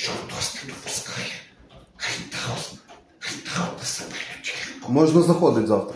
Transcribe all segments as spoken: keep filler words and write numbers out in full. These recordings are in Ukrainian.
що хтось не допускає. Гайдаус, гайдаус на себе лючку. Можна заходити завтра.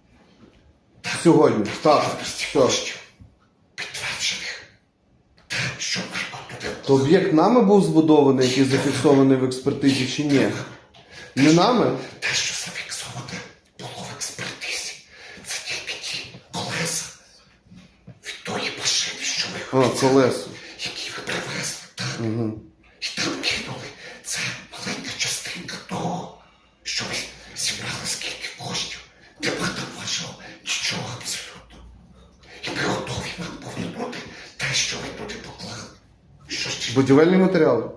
Сьогодні. Так, все. Підтверджених. Те, що ми туди То об'єкт нами був збудований, який зафіксований в експертизі, чи ні? Не нами? те, що зафіксоване було в експертизі, це тільки ті колеса від тої машини, що ви А, колесо. які ви привезли, так? Угу. І там кинули. Це маленька частинка того, що ви зібрали скільки коштів. Нема там вашого нічого абсолютно. І ми готові вам повернути те, що ви туди поклали. Що ще? Будівельні матеріали.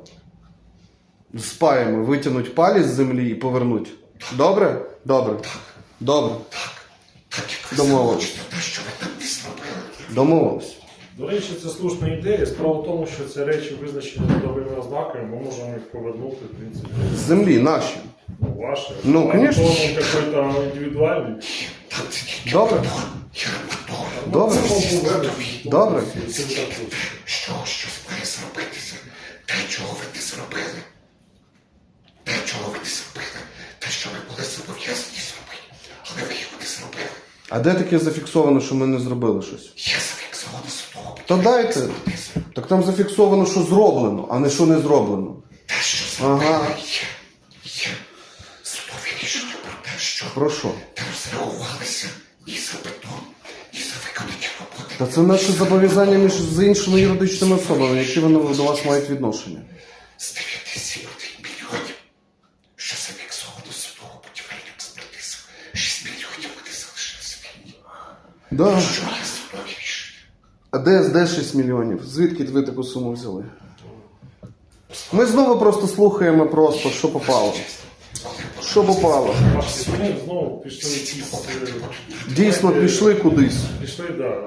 Спаємо, витягнуть палі з землі і повернуть. Добре? Добре. Добре. Так, так як ви Домовились. захочете те, що ви там не зробили. Домовились. До речі, це слушна ідея. Справа в тому, що ці речі визначені трудовими ознаками, ми можемо їх повернути, в принципі, З землі, наші. ну, ваші. Ну, А конечно. то, ну, какой-то індивідуальний. Там це тільки Добре. бетон і арматура. Добре. Це був вибір. Добре. Це не так точно. Що, щось має зробитися. Те, чого ви не зробили. Те, чого ви не зробили. Те, що ви були зобов'язані зробити. Але ви його не зробили. А де таке зафіксовано, що ми не зробили щось? Є зафіксовано судово. Та дайте. Так там зафіксовано, що зроблено, а не що не зроблено. Те, що зробили, Ага. є. Є. Судові рішення про те, що Про що? не розреагувалися ні за бетон, ні за виконані роботи. Та це наше зобов'язання між з іншими юридичними особами, які вони до вас мають відношення. З дев'яти сім мільйонів, що зафіксовано судово будівельну експертизу, шість мільйонів вони залишилися вільні. Да. Що є судові рішення? А де, де шість мільйонів? Звідки ви таку суму взяли? Ми знову просто слухаємо просто, що попало. Що попало? Ваші зміни знову пішли якісь, е, Дійсно, пішли кудись. пішли, да,